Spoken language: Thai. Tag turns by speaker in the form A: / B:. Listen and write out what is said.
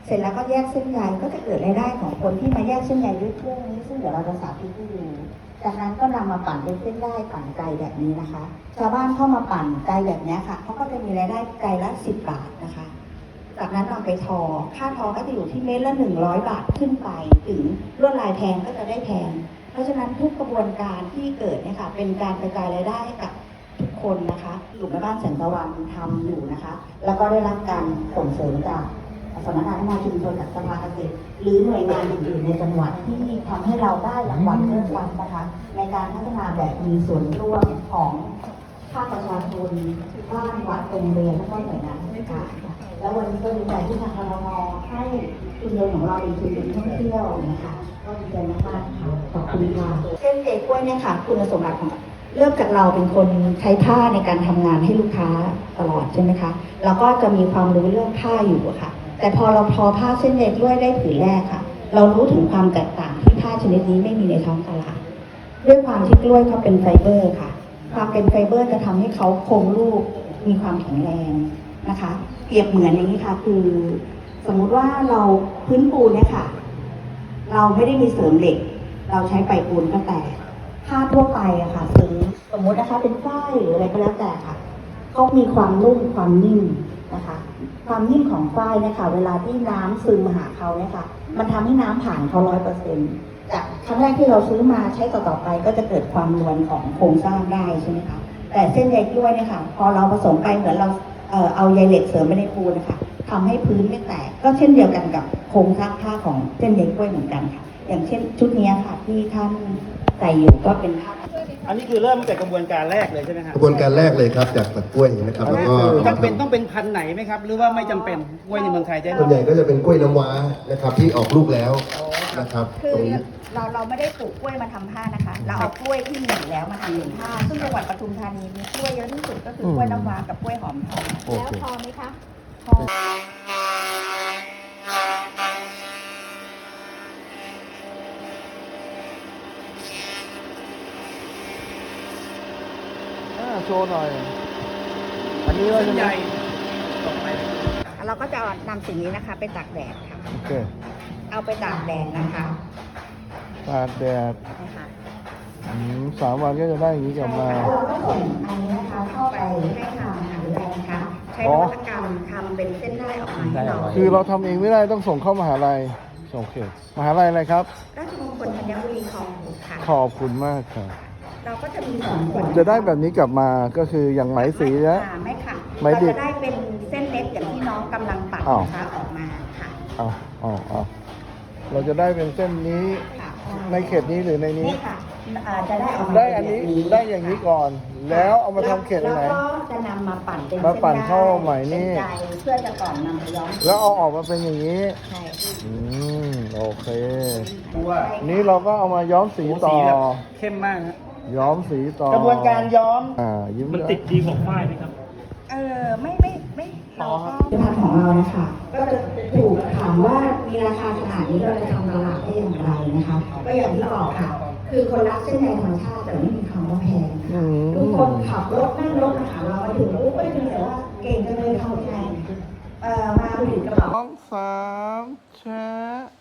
A: เสร็จแล้วก็แยกเส้นใยก็จะเกิดรายได้ของคนที่มาแยกเส้นใยด้วยเครื่องนี้ซึ่งเดี๋ยวเราจะสาธิตให้ดูจากนั้นก็นำมาปั่นเป็นเส้นได้ปั่นไกลแบบนี้นะคะชาวบ้านเข้ามาปั่นไกลแบบนี้ค่ะเขาก็จะมีรายได้ไกลละ10 บาทนะคะจากนั้นนำไปทอค่าทอก็จะอยู่ที่เม็ดละ100 บาทขึ้นไปถึงลวดลายแพงก็จะได้แพงเพราะฉะนั้นทุกกระบวนการที่เกิดเนี่ยค่ะเป็นการกระจายรายได้ให้กับทุกคนนะคะกลุ่มแม่บ้านแสงตะวันทำอยู่นะคะแล้วก็ได้รับการส่งเสริมจากสำนักงานพัฒนาชุมชนจากสภาเกษตรหรือหน่วยงานอื่นๆในจังหวัดที่ทำให้เราได้รางวัลเรื่องวันนะคะในการพัฒนาแบบมีส่วนร่วมของภาคประชาชนบ้านวัดโรงเรียนและก็หน่วยงานราชการแล้ววันนี้ก็ดีใจที่ทางครม.ให้ชุมชนของเราเป็นชุมชนท่องเที่ยวนะคะก็ดีใจมากๆค่ะขอบคุณค่ะเส้นเจกล้วยเนี่ยค่ะคุณสมบัติของเริ่มจากเราเป็นคนใช้ผ้าในการทำงานให้ลูกค้าตลอดใช่ไหมคะเราก็จะมีความรู้เรื่องผ้าอยู่ค่ะแต่พอเราทอผ้าเส้นใยกล้วยได้ผืนแรกค่ะเรารู้ถึงความแตกต่างที่ผ้าชนิดนี้ไม่มีในท้องตลาดด้วยความที่กล้วยเขาเป็นไฟเบอร์ค่ะความเป็นไฟเบอร์จะทำให้เขาคงรูปมีความแข็งแรงนะคะเปรียบเหมือนอย่างนี้ค่ะคือสมมุติว่าเราพื้นปูนเนี่ยค่ะเราไม่ได้มีเสริมเหล็กเราใช้ไปปูนก็แต่ผ้าทั่วไปอะค่ะซื้อสมมุตินะคะเป็นฝ้ายหรืออะไรก็แล้วแต่ค่ะเขามีความนุ่มความนิ่มนะคะความนิ่มของฝ้ายเนี่ยค่ะเวลาที่น้ำซึมมาหาเขาเนี่ยค่ะมันทำให้น้ำผ่านเขา100%จากครั้งแรกที่เราซื้อมาใช้ต่อๆไปก็จะเกิดความนวลของโครงสร้างได้ใช่ไหมคะแต่เส้นใยกล้วยเนี่ยค่ะพอเราผสมไปเหมือนเราเอาใยเหล็กเสริมไปในปูนนะคะทำให้พื้นไม่แตกก็เช่นเดียวกันกับโครงสร้างผ้าของเส้นใยกล้วยเหมือนกันค่ะอย่างเช่นชุดนี้ค่ะที่ท่านใส่อยู่ก็เป็นผ้า
B: อันนี้คือเริ่มจากกระบวนการแรกเลยใช่ไหมครับ
C: กระบวนการแรกเลยครับจากตัดกล้วยนะครับแล้วก็
B: จำเป็นต้องเป็นพันธุ์ไหนไหมครับหรือว่าไม่จำเป็นกล้วยในเมืองไทยได้
C: ส่วนใหญ่ก็จะเป็นกล้วยน้ำว้านะครับที่ออกลูกแล้วนะครับ
A: คือ
C: ตรงนี้
A: เราไม่ได้ปลูกกล้วยมาทำผ้านะคะเราเอากล้วยที่มีอยู่แล้วมาทำเป็นผ้าซึ่งจังหวัดปทุมธานีมีกล้วยเยอะที่สุดก็คือกล้วยน้ำว้ากับกล้วยหอมทองแล้วพอไหมคะพอ
D: โชว์หน่อยอันนี้ว่าจะใหญ่
A: เราก็จะนำสิ่งนี้นะคะไปตากแดดค่ะ
D: โอเค
A: เอาไปตากแดดนะคะ
D: ตากแดด
A: นะคะ
D: 3 วันก็จะได้อย่างนี้กลับมา
A: เราก็ส่งอันนี้นะคะเข้าไปให้ทางมหาวิทยาลัยนะคะใช้นวัตกรรมทำเป็นเส้นได้ออกมาให้เรา
D: คือเราทำเองไม่ได้ต้องส่งเข้ามหาลัยโอเคมหาลัยอะไรครับ
A: ราชมงคลธัญบุรีคลอง6ค่ะ
D: ขอบคุณมากครับ
A: เราก็จะมี2ส่วน
D: จะได้แบบนี้กลับมาก็คืออย่างไหมสีนะ
A: ไม่ค่ะ
D: ไหมดิบ
A: เราจะได้เป็นเส้นเล็กอย่างที่น้องกำลังปัดนะคะออกมาค่ะ
D: เราจะได้เป็นเส้นนี้ในเขตนี้หรือในนี้
A: ค่ะจะได้ออกมา
D: ได้อันนี้ได้อย่างนี้ก่อนแล้วเอามาทำเขตไหน
A: แล้วก็จะนำมาปั่นเป็น
D: มาปั่นเข้าไหมนี่
A: เพื่อจะก่อนนำไปย้อม
D: แล้วเอาออกมาเป็นอย่างนี้
A: ใช่
D: โอเคนี้เราก็เอามาย้อมสีต่อ
B: เข้มมากครับ
D: ย้อมสีต่อก
B: ระบวนการย้อม
D: มัน
B: ติดดีของฝ้ายไหมครับ
A: ไม่เราก็พันของเรานะคะก็จะถูกถามว่ามีราคาขนาดนี้เราจะทำตลาดได้อย่างไรนะคะก็อย่างที่บอกค่ะคือคนรักเส้นใยธรรมชาติแต่ไม่มีคำว่าแพงทุกคนขับรถนั่งรถมาหาเรามาถึงปุ๊บไม่ถึงแต่ว่าเก่งจังเลยทำแพงมาถึงกระเป๋า
D: 2 3แชะ